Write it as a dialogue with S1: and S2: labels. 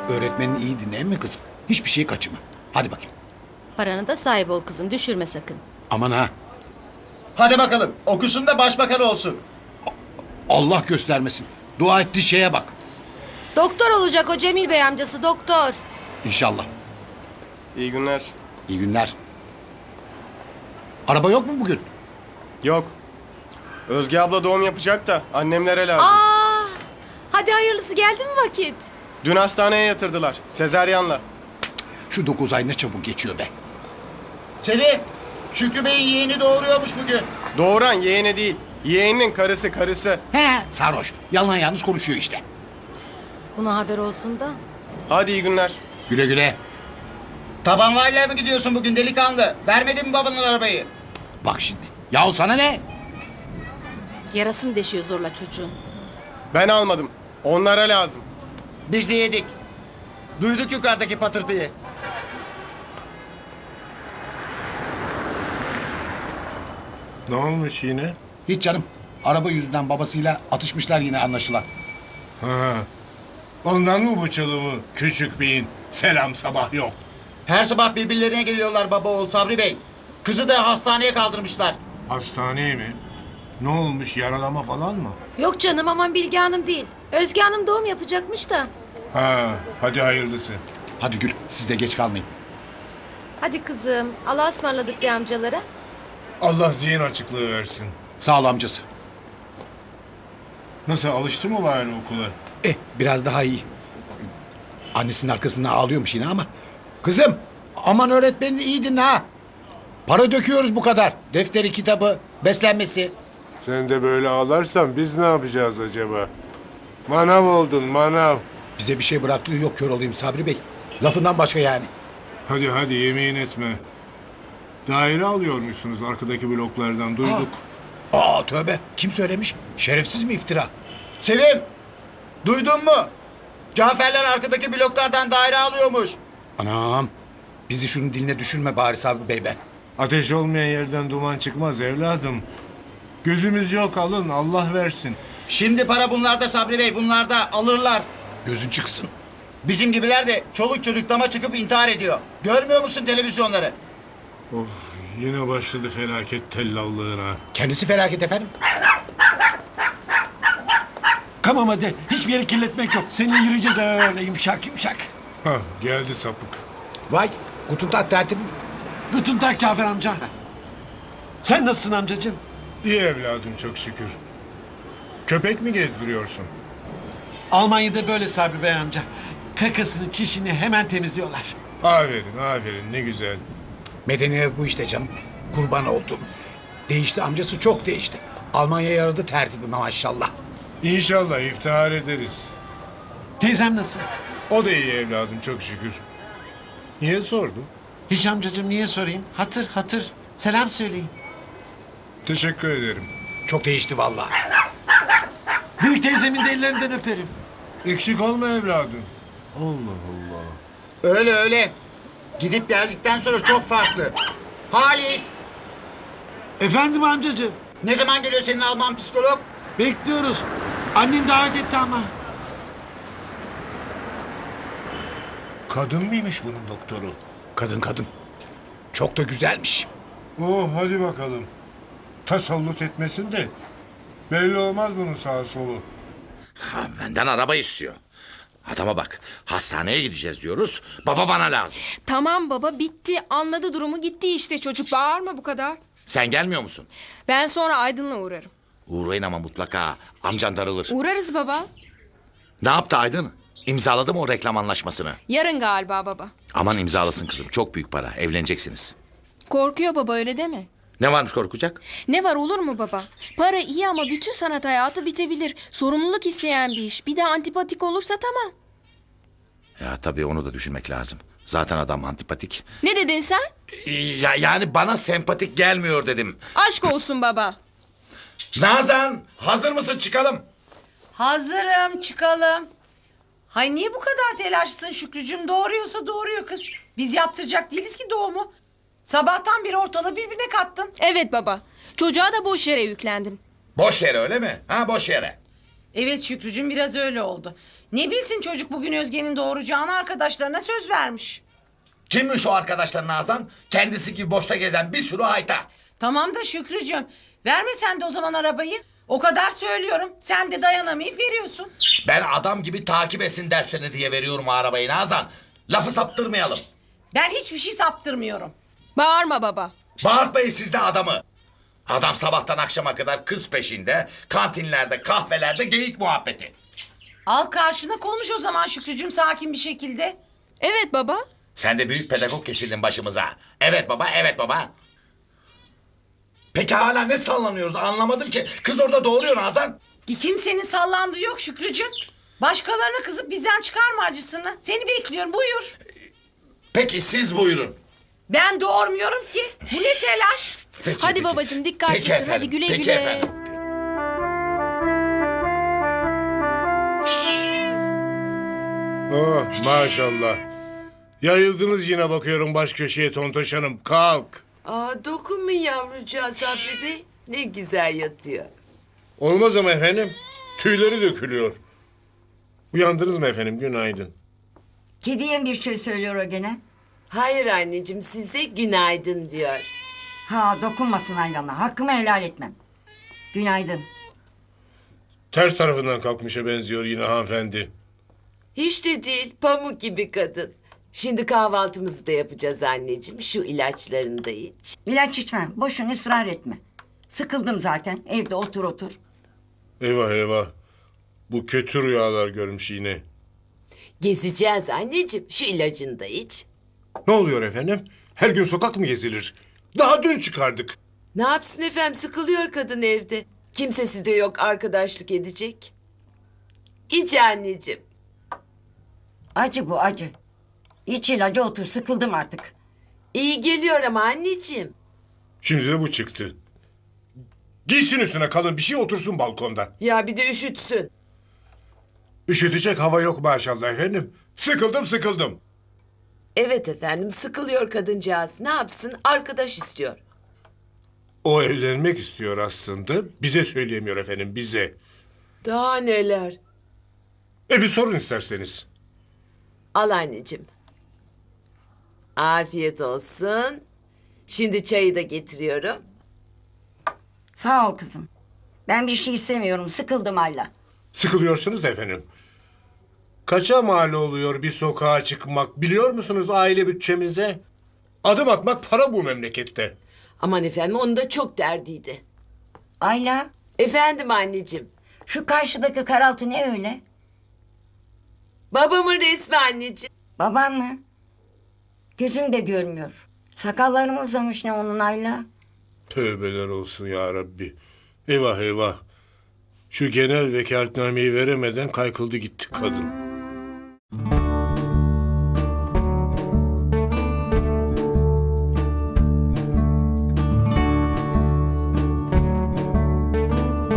S1: Öğretmenin iyi dinleyen mi kızım? Hiçbir şey kaçırma. Hadi bakayım.
S2: Paranı da sahip ol kızım, düşürme sakın.
S1: Aman ha.
S3: Hadi bakalım okusun da başbakan olsun.
S1: Allah göstermesin. Dua ettiği şeye bak.
S2: Doktor olacak o Cemil Bey amcası, doktor.
S1: İnşallah.
S4: İyi günler.
S1: İyi günler. Araba yok mu bugün?
S4: Yok. Özge abla doğum yapacak da annemlere lazım.
S2: Aa, hadi hayırlısı, geldi mi vakit?
S4: Dün hastaneye yatırdılar. Sezaryenle.
S1: Şu 9 ay ne çabuk geçiyor be.
S3: Sevim, Şükrü Bey'in yeğeni doğuruyormuş bugün.
S4: Doğuran yeğeni değil. Yeğeninin karısı.
S1: He, sarhoş. Yalan yanlış konuşuyor işte.
S2: Buna haber olsun da.
S4: Hadi iyi günler.
S1: Güle güle.
S3: Tabanvaliyle mi gidiyorsun bugün delikanlı? Vermedin mi babanın arabayı?
S1: Bak şimdi. Yahu sana ne?
S2: Yarasını deşiyor zorla çocuğun.
S4: Ben almadım. Onlara lazım.
S3: Biz de yedik. Duyduk yukarıdaki patırtıyı.
S5: Ne olmuş yine?
S1: Hiç canım. Araba yüzünden babasıyla atışmışlar yine anlaşılan.
S5: Ha. Ondan mı bu çalımı küçük beyin? Selam sabah yok.
S3: Her sabah birbirlerine geliyorlar baba oğul Sabri Bey. Kızı da hastaneye kaldırmışlar.
S5: Hastaneye mi? Ne olmuş, yaralama falan mı?
S2: Yok canım, aman Bilge Hanım değil. Özge Hanım doğum yapacakmış da.
S5: Ha, hadi hayırlısı.
S1: Hadi Gül, siz de geç kalmayın.
S2: Hadi kızım, Allah'a ısmarladık de amcalara.
S5: Allah zihin açıklığı versin.
S1: Sağ ol amcası.
S5: Nasıl, alıştı mı bari okula?
S1: Biraz daha iyi. Annesinin arkasından ağlıyormuş yine ama. Kızım, aman öğretmenini iyi dinle ha. Para döküyoruz bu kadar. Defteri, kitabı, beslenmesi.
S5: Sen de böyle ağlarsan biz ne yapacağız acaba? Manav oldun, manav.
S1: Bize bir şey bıraktığı yok, kör olayım Sabri Bey. Lafından başka yani.
S5: Hadi yemeğin etme. Daire alıyormuşsunuz arkadaki bloklardan, duyduk.
S1: Aa tövbe, kim söylemiş? Şerefsiz mi iftira?
S3: Sevim, duydun mu? Caferler arkadaki bloklardan daire alıyormuş.
S1: Anam, bizi şunun diline düşürme bari Sabri Bey be.
S5: Ateş olmayan yerden duman çıkmaz evladım. Gözümüz yok, alın, Allah versin.
S3: Şimdi para bunlarda Sabri Bey, bunlarda alırlar.
S1: Gözün çıksın.
S3: Bizim gibiler de çoluk çocuk dama çıkıp intihar ediyor. Görmüyor musun televizyonları?
S5: Of, yine başladı felaket tellallığına.
S1: Kendisi felaket efendim.
S6: Tamam hadi. Hiçbir yeri kirletmek yok. Seninle yürüyeceğiz öyle yumuşak yumuşak.
S5: Hah, geldi sapık.
S1: Vay, Gutentat tertibim.
S6: Guten Tag Cafer amca. Sen nasılsın amcacığım?
S5: İyi evladım çok şükür. Köpek mi gezdiriyorsun?
S6: Almanya'da böyle Sabri Bey amca. Kakasını, çişini hemen temizliyorlar.
S5: Aferin ne güzel.
S1: Medeniyet bu işte canım. Kurban oldum. Değişti amcası, çok değişti. Almanya'ya yaradı tertibi maşallah.
S5: İnşallah iftihar ederiz.
S6: Teyzem nasıl?
S5: O da iyi evladım çok şükür. Niye sordun?
S6: Hiç amcacığım, niye sorayım? Hatır. Selam söyleyin.
S5: Teşekkür ederim.
S1: Çok değişti vallahi.
S6: Büyük teyzemin de ellerinden öperim.
S5: Eksik olma evladım.
S3: Öyle. Gidip geldikten sonra çok farklı. Halis,
S6: Efendim amcacığım.
S3: ne zaman geliyor senin Alman psikolog?
S6: Bekliyoruz. Annem davet etti ama.
S5: Kadın mıymış bunun doktoru?
S1: Kadın. Çok da güzelmiş.
S5: Oh hadi bakalım. Tasallut etmesin de. Belli olmaz bunun sağa solu.
S7: Ha, benden araba istiyor. Adama bak, hastaneye gideceğiz diyoruz. Baba bana lazım.
S8: Tamam baba, bitti, anladı durumu, gitti işte çocuk, bağırma bu kadar.
S7: Sen gelmiyor musun?
S8: Ben sonra Aydın'la uğrarım.
S7: Uğrayın ama mutlaka. Amcan darılır.
S8: Uğrarız baba.
S7: Ne yaptı Aydın? İmzaladı mı o reklam anlaşmasını?
S8: Yarın galiba baba.
S7: Aman imzalasın kızım. Çok büyük para. Evleneceksiniz.
S8: Korkuyor baba, öyle deme.
S7: Ne varmış korkacak?
S8: Ne var, olur mu baba? Para iyi ama bütün sanat hayatı bitebilir. Sorumluluk isteyen bir iş. Bir de antipatik olursa tamam.
S7: Ya tabii onu da düşünmek lazım. Zaten adam antipatik.
S8: Ne dedin sen?
S7: Yani bana sempatik gelmiyor dedim.
S8: Aşk olsun baba.
S7: Nazan, hazır mısın, çıkalım?
S9: Hazırım, çıkalım. Hay niye bu kadar telaşlısın Şükrücüğüm? Doğuruyorsa doğuruyor kız. Biz yaptıracak değiliz ki doğumu. Sabahtan beri ortalığı birbirine kattın.
S8: Evet baba. Çocuğa da boş yere yüklendin.
S7: Boş yere öyle mi? Ha, boş yere.
S9: Evet Şükrücüğüm biraz öyle oldu. Ne bilsin çocuk bugün Özge'nin doğuracağını arkadaşlarına söz vermiş.
S7: Kimmiş o arkadaşlar Nazan? Kendisi gibi boşta gezen bir sürü hayta.
S9: Tamam da Şükrücüğüm verme sen de o zaman arabayı. O kadar söylüyorum sen de dayanamayıp veriyorsun.
S7: Ben adam gibi takip etsin derslerini diye veriyorum o arabayı Nazan. Lafı saptırmayalım.
S9: Ben hiçbir şey saptırmıyorum.
S8: Bağırma baba.
S7: Bağırtmayın siz de adamı. Adam sabahtan akşama kadar kız peşinde, kantinlerde, kahvelerde geyik muhabbeti.
S9: Al karşına konuş o zaman Şükrücüğüm sakin bir şekilde.
S8: Evet baba.
S7: Sen de büyük pedagog kesildin başımıza. Evet baba, evet baba. Peki hala ne sallanıyoruz anlamadım ki. Kız orada doğuruyor Nazan.
S9: Kimsenin sallandığı yok Şükrücüğüm. Başkalarına kızıp bizden çıkarma acısını. Seni bekliyorum buyur.
S7: Peki siz buyurun.
S9: Ben doğurmuyorum ki. Bu ne telaş?
S7: Peki,
S8: Hadi
S7: peki.
S8: babacığım dikkatli
S7: Peki
S8: sür.
S7: efendim,
S8: Hadi güle
S7: peki
S8: güle.
S7: efendim.
S5: Oh maşallah. Yayıldınız yine bakıyorum baş köşeye Tontoş Hanım. Kalk.
S10: Aa, dokunmayın yavrucağa Sabri Bey. Ne güzel yatıyor.
S5: Olmaz ama efendim. Tüyleri dökülüyor. Uyandınız mı efendim? Günaydın.
S11: Kediye bir şey söylüyor o gene.
S10: Hayır anneciğim size günaydın diyor.
S11: Ha dokunmasın Aylan'a. Hakkımı helal etmem. Günaydın.
S5: Ters tarafından kalkmışa benziyor yine hanımefendi.
S10: Hiç de değil pamuk gibi kadın. Şimdi kahvaltımızı da yapacağız anneciğim. Şu ilaçlarını da iç.
S11: İlaç içmem. Boşuna ısrar etme. Sıkıldım zaten. Evde otur otur.
S5: Eyvah eyvah. Bu kötü rüyalar görmüş yine.
S10: Gezeceğiz anneciğim. Şu ilacını da iç.
S5: Ne oluyor efendim? Her gün sokak mı gezilir? Daha dün çıkardık.
S10: Ne yapsın efendim sıkılıyor kadın evde. Kimsesi de yok arkadaşlık edecek. İç anneciğim.
S11: Acı bu acı. İç ilacı otur. Sıkıldım artık.
S10: İyi geliyor ama anneciğim.
S5: Şimdi de bu çıktı. Giysin üstüne kalın bir şey otursun balkonda.
S10: Ya bir de üşütsün.
S5: Üşütecek hava yok maşallah efendim. Sıkıldım.
S10: Evet efendim sıkılıyor kadıncağız. Ne yapsın arkadaş istiyor.
S5: O evlenmek istiyor aslında. Bize söyleyemiyor efendim bize.
S10: Daha neler.
S5: Bir sorun isterseniz.
S10: Al anneciğim. Afiyet olsun. Şimdi çayı da getiriyorum.
S11: Sağ ol kızım. Ben bir şey istemiyorum. Sıkıldım Ayla.
S5: Sıkılıyorsunuz da efendim. Kaça mal oluyor bir sokağa çıkmak biliyor musunuz aile bütçemize? Adım atmak para bu memlekette.
S10: Aman efendim onun da çok derdiydi.
S11: Ayla,
S10: Efendim anneciğim.
S11: şu karşıdaki karaltı ne öyle?
S10: Babamın resmi anneciğim.
S11: Baban mı? Gözüm de görmüyor. Sakallarım uzamış ne onun Ayla?
S5: Tövbeler olsun ya Rabbi. Eyvah eyvah. Şu genel vekaletnameyi veremeden kaykıldı gitti kadın.